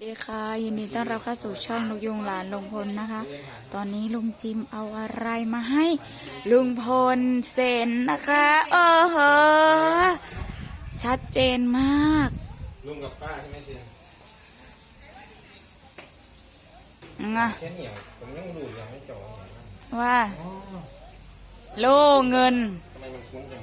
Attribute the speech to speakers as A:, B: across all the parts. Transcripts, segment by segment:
A: ดีค่ะยินดีต้อนรับเข้าสู่ช่องนกยุงหลานลุงพลนะคะตอนนี้ลุงจิมเอาอะไรมาให้ลุงพลเซ็นนะคะเหอชัดเจนมาก
B: ลุงกับป้าใช่ไหมเซียแค่เหนียวผมยังดูยังไม่จอง
A: ว่าโลเงิน
B: ทำไมมันคุ้นจัง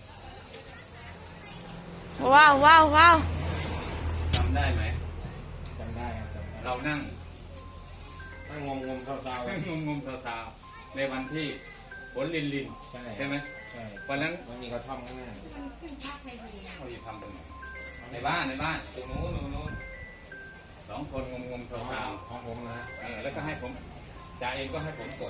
A: ว้าวว้าวว้าว
C: จำได้ไหม
B: จำได้ครับ
C: เรานั่ง
B: งมเศร้าๆ
C: งมเท้าในวันที่ฝนลินใช่ไหม
B: ใช่
C: วันนั้น
B: มันมีกระท่อมข้างหน้า
C: เขาจะทำตรงไหนในบ้านตรงนู้นสองคนงมเท้า
B: ของผมนะ
C: แล้วก็ให้ผมจ่าเองก็ให้ผมกด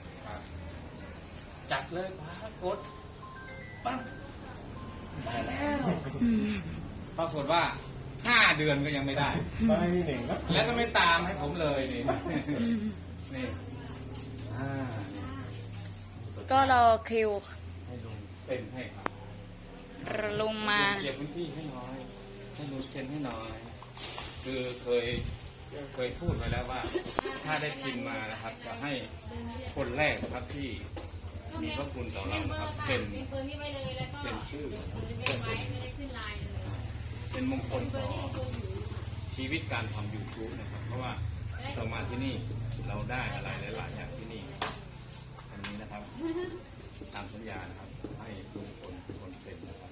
C: จัดเลยป้ากดปั้งได้แล้วปรากฏว่า5 เดือนก็ยังไม่ได้
B: ไม่มีหนึ่ง
C: แล้วก็ไม่ตามให้ผมเลยนี่
A: ก็รอคิว
C: ให้ลุงเซ็นให้ครับ
A: ลงมา
C: เก็บพื้นที่ให้น้อยให้ลุงเซ็นให้น้อยคือเคยพูดไว้แล้วว่าถ้าได้พิมพ์มานะครับจะให้คนแรกนะครับที่มีพระคุณต่อเรานะครับเซ็นชื่อเป็นมงคลต่อชีวิตการทำ YouTube นะครับเพราะว่าเรามาที่นี่เราได้อะไรหลายๆอย่างที่นี่อันนี้นะครับตามสัญญานะครับให้ลุงพลเป็นคนเซ็นนะครับ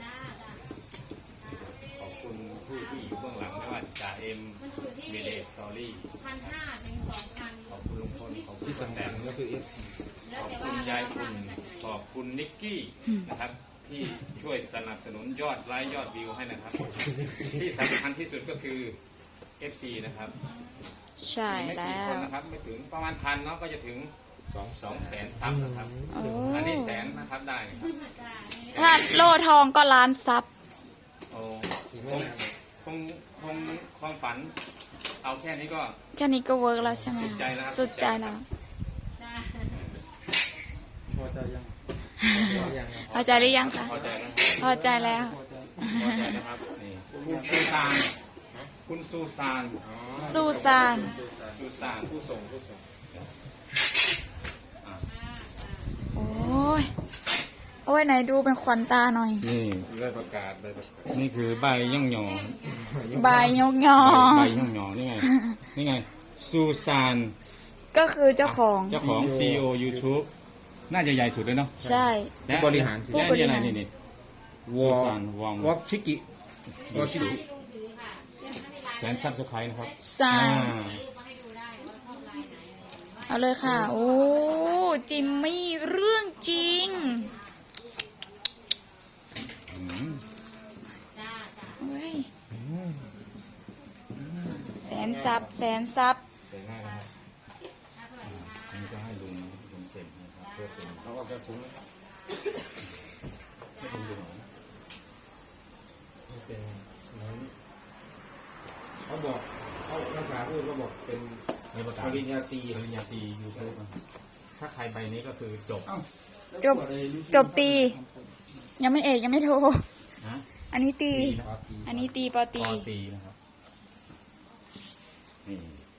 C: ขอบคุณผู้ที่อยู่เบื้องหลังไม่ว่าจ่าเอ็มเมเดสตอรี่
D: 1,500 ถึง 2,000
C: ขอบคุณลุงพลขอบคุณ
B: ที่สำคัญก็คือ FC
C: ขอบคุณยายคุณขอบคุณนิกกี้นะครับที่ช่วยสนับสนุนยอดไลค์ยอดวิวให้นะครับที่สำคัญที่สุดก็คือ FC นะครับ
A: ใช่แล้ว
C: นะครับไม่ถึงประมาณ1,000เนาะก็จะถึง200,000 ซับนะครับอันนี้100,000นะครับได้ครับ
A: ถ้าโล่ทองก็ล้านซับ
C: โอ้คงความฝันเอาแค่นี้ก็
A: เวิร์กแล้วใช่ไหมสุดใจแล้ว
C: พอใจยัง
A: พอใจหรือยังคะพอใจแล้ว
C: พอใจนะครับนี่คุณซูซาน
B: ผู้ส่ง
A: โอ้ยไหนดูเป็นขวัญตาหน่อย
C: นี่
B: ได้ประกาศ
C: นี่คือใบย่องหยอง
A: ใบยกยอ
C: ใบย่องหยองนี่ไงซูซาน
A: ก็คือเจ้าของ
C: CEO YouTube น่าจะใหญ่สุดเลยเนาะ
A: ใช่
C: และ
B: บริหารสิ
C: และนี่อะไรนี่ซูซาน
B: วอล์กชิกิ
C: 100,000 ซับสไครต์นะครับ
A: เอาเลยค่ะโอ้จิมมี่เรื่องจริงแสนซับ
C: นี่ก็ให้ลุงเซ็นนะครับเพื่อเป็น
B: เขาก็จะคุ้ม
C: ไม่เป็นดูหน่อย
B: เป็นนั้นเขาบอกเขาภาษาพูดก็บอกเป็นปริญญาตรี
C: ยูทูบถ้าใครใบนี้ก็คือ
A: จบตียังไม่เอกยังไม่โทอันนี้ตีปอตี
C: นะครับนี่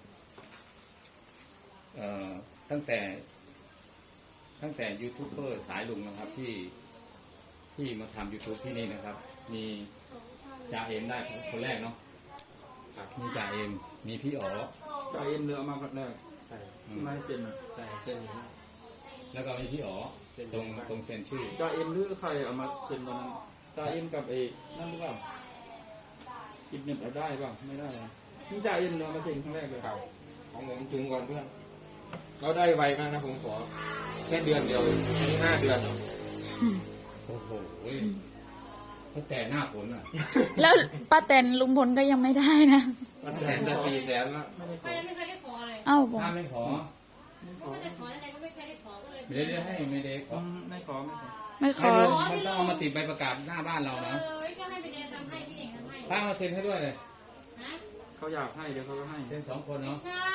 C: ตั้งแต่ยูทูบเบอร์สายลุงนะครับที่มาทำ YouTube ที่นี่นะครับมีจ่าเอ็มได้คนแรกเนาะมีจ่าเอ็มมีพี่อ๋อ
E: จ่าเอ็มเรือมาพักแรกใช่ไม่เซ็น
B: ใช่เซ็น
C: แล้วก็มีพี่อ๋อตรงเซ็นชื่อ
E: จ่าเอ็มหรือใครเอามาเซ็นตอนนั้นจ่าเอ็มกับเอนั่นหรือเปล่าอิบเน็ตเอาได้เปล่าไม่ได้นี่จ่าเอ็มเรือมาเซ็นครั้งแรกเลย
B: ของผมถึงก่อนเพื่อนเราได้ไวมากนะผมขอแค่เดือนเดียว5 เดือน
C: โอ้โหตั้งแต่หน้าฝนอ่ะ
A: แล้วป้าแตนลุงพลก็ยังไม่ได้นะ
B: ป้าแตนจะ400,000แล้ว
D: ไม่เคยได้ขอเลย
C: ถ้าไม่ขอ
D: ไม่ได้ขอยังไงก็ไม่เคยได้ขอก็เลย
C: ไม่ได้ให้ไม่ได้ขอ
A: ไม่ขอ
C: ต้องเอามาติดใบประกาศหน้าบ้านเรานะ
D: ก็ให้ไปเดนทำให้พี่เด็กทำให้
C: ป้ามาเซ็นให้ด้วยเลย
E: เขาอยากให้เดี๋ยวเขาก็ให้
C: เซ็น2 คนเนาะ
D: ใช่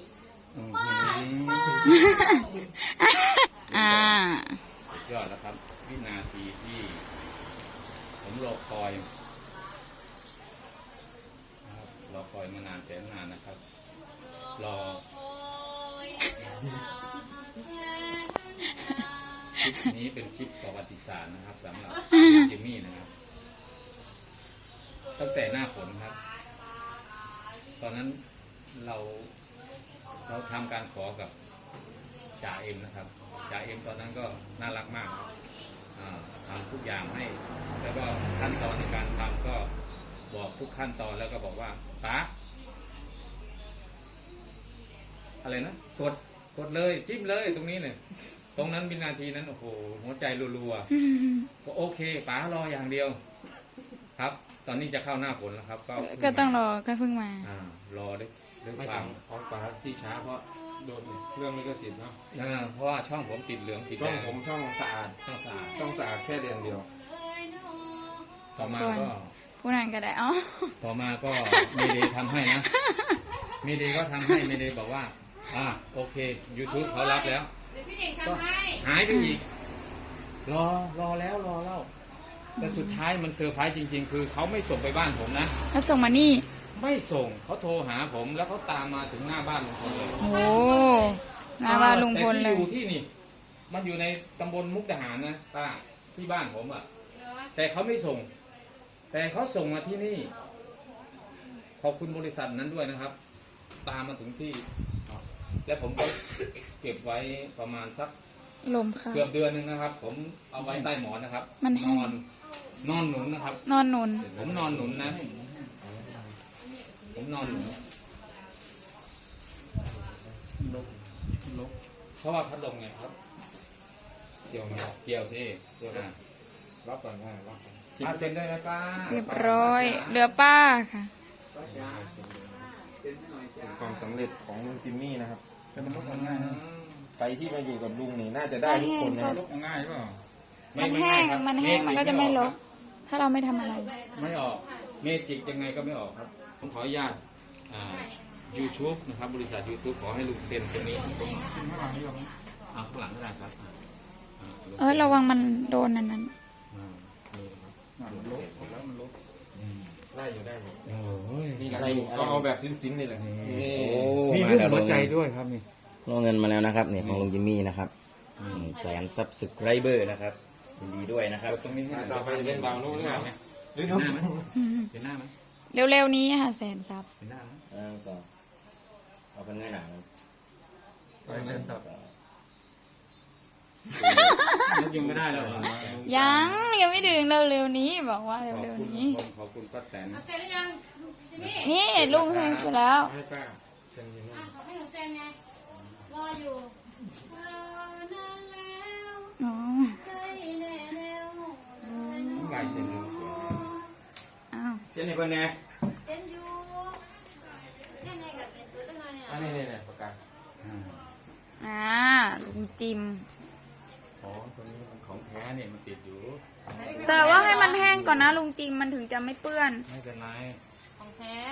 C: ยอดแล้วครับวินาทีที่ผมรอคอยโอ้รอคอยมานานแสนนานนะครับ รอคลิปนี้เป็นคลิปประวัติศาสตร์นะครับสำหรับจิมมี่นะครับ ตั้งแต่หน้าฝนครับ ตอนนั้นเราทำการขอกับจ่าเอ็มนะครับจ่าเอ็มตอนนั้นก็น่ารักมากครับทำทุกอย่างให้แล้วก็ขั้นตอนในการทำก็บอกทุกขั้นตอนแล้วก็บอกว่าป๊าอะไรนะกดเลยจิ้มเลยตรงนี้เลยตรงนั้นวินาทีนั้นโอ้โหหัวใจรัวๆก็โอเคป๊ารออย่างเดียวครับ ตอนนี้จะเข้าหน้าฝนแล้วครับ
A: ก็ต้องรอก็เพิ่งมา
C: รอด้วย
B: ไม่
C: ความ
B: ของป๋าที่ช้าเพราะโดนเรื่องลิขสิทธิ์เนาะ
C: เพราะว่าช่องผมติดเหลืองติด
B: ช่
C: แด
B: อง
C: ง
B: ผมช่องสะอาด
C: ช่องสะอาด
B: ช่องสะอาดแค่เดือนเดียว
C: ต่อมาก็
A: ผู้นั้นก็ได้อ๋อ
C: ต่อมาก็เมเดย์ทำให้นะเมเดย์ก็ทำให้เมเดย์บอกว่าโอเค YouTube เขารับแล้ว
D: เดี๋ยวพี่เด่งทำให้
C: หายไปอีก รอแล้วแต่สุดท้ายมันเซอร์ไพรส์จริงๆ คือเขาไม่ส่งไปบ้านผมนะ
A: แล้วส่งมานี่
C: ไม่ส่งเขาโทรหาผมแล้วเขาตามมาถึงหน้าบ้านลุงพลเลย
A: โอ้หน้าบ้านลุงพลเล
C: แต่
A: ย
C: ที่อยู่ที่นี่ มันอยู่ในตำบลมุกดาหารนะป้าที่บ้านผมอ่ะ แต่เขาไม่ส่ง แต่เขาส่งมาที่นี่ ขอบคุณบริษัทนั้นด้วยนะครับ ตามมาถึงที่ และผมก็เก็บไว้ประมาณสัก
A: ลมค่ะ
C: เกือบเดือนหนึงนะครับ ผมเอาไว้ใต้หมอนนะครับ
A: มันแห้ง
C: นอนหนุนนะครับ
A: นอนหนุน
C: ผมนอนหนุนนะ ผมนอนหนุนเพราะว่าพัดลมไงครับ
B: เกี่ยวไหม
C: เกี่ยวสิ
B: รับก่อนได้รับก่อน
C: เซ็นได้ไหมป้า
A: เรียบร้อย เหลือป้าค่ะ
B: เป็นความสำเร็จของลุงจิมมี่นะครับ
E: แต่มันลบง่ายนะ
B: ใครที่มาอยู่กับลุงนี่น่าจะได้ทุกคนนะครับ
E: ลบง่ายเปล่า
A: มันแห้ง มันแห้ง มันก็จะไม่ลบ ถ้าเราไม่ทำอะไร
C: ไม่ออกเมจิกยังไงก็ไม่ออกครับ ผมขออนุญาตYouTube นะครับ บริษัท YouTube ขอให้ลุงเซ็นตรงนี้ผม
E: กินข้างหลังนี่หรอ
C: เอาข้างหลังก็ได้ครับ
A: ระวังมันโดนอันนั้น
E: มันลบแล้วมันลบ
B: ได้อยู่ได้หมด
C: โอ้ย
B: นี่แหละก็เอาแบบซิ้นๆนี่แหละนี่
C: มีรูปหัวใจด้วยครับนี่
F: ลงเงินมาแล้วนะครับเนี่ยของลุงจิมมี่นะครับ100,000 Subscriber นะครับยินดีด้วยนะครับ
C: ตรงนี้ให้
B: ต่อไปจะเป็นบาวโน่หรือเปล่า
C: เห็นหน้าไหมเห็นหน้าไหม
A: เร็วๆนี้ค่ะแสนซับ
C: เห็นหน้าไหม
F: สองเอาเป็นเงินหนัง
E: ไปเซ็นสับ
C: นกยังไม่ได้เลย
A: ยังไม่ถึงเร็วๆนี้ บอกว่าเร็วๆนี้
C: ขอบคุณป้าแตน
D: เอาเซ็นหรือยังจิมมี่
A: นี่ลุงเซ็นเสร็จแล้ว
B: ให้ป้าเซ็นอยู่นู่น
D: ขอให้หนูเซ็นไงรออยู่รอนานแล้ว
A: อ๋อ
D: ใจแน่แน่ว
B: ลายเซ็นลุงสวย
A: อ้าว
F: เช่นนี้เพื่อนไง
D: เซ็นอยู่เซ็นไงกับเป็นตัวตั้งนานเนี่ย
B: อันนี้เนี่ยประกัน
A: ลุงจิม
C: อ๋อตัวนี้มันของแท้เนี่ยมันติดอยู่
A: แต่ว่าให้มันแห้งก่อนนะลุงจิมมันถึงจะไม่เปื้อน
C: ไม่เป็นไร
D: ของแท้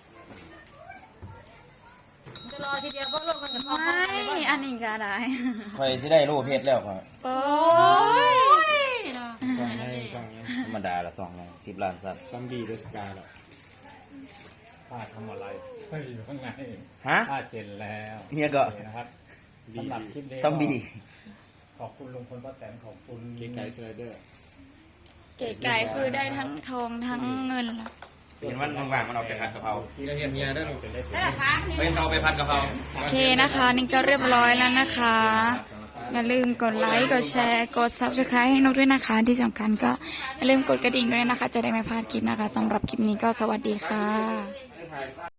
D: จะรอทีเดียวเพราะโลกมันจะพอ
A: ไม่ อันนี้ก็ได้
F: คอยสิได้รูปเพชรแล้วครับ
A: โอ้ย
B: สั่งไงสั่งไง
F: ธรรมดาละ2 ไง10 ล้านซับ
B: ซัมบี้เดสกาหรอ
C: ป้าทำอะไรอยู่ข้างใน
F: ฮะ
C: ป้าเซ็นแล้ว
F: เฮียก็
C: นะครับสำหรับคลิปนี้
F: ซอมบี้
C: ขอบคุณลุงพลป้าแตนขอบคุณ
B: เก๋ไก่สไลเดอร์
A: เก๋ไก่คือได้ทั้งทองทั้งเงินละ
F: เห็นวันว่างๆมันเอาไปผัดกะเพรา
B: ที่เราเห็นเมียได้หรอ
C: เป็นเลข
D: ใช่ไหมคะนี่
F: ไปเอาไปผัดกะเพรา
A: โอเคนะคะ นี่ก็เรียบร้อยแล้วนะคะ อย่าลืมกดไลค์ กดแชร์ กด Subscribe ให้นกด้วยนะคะ ที่สำคัญก็อย่าลืมกดกระดิ่งด้วยนะคะ จะได้ไม่พลาดคลิปนะคะสำหรับคลิปนี้ก็สวัสดีค่ะ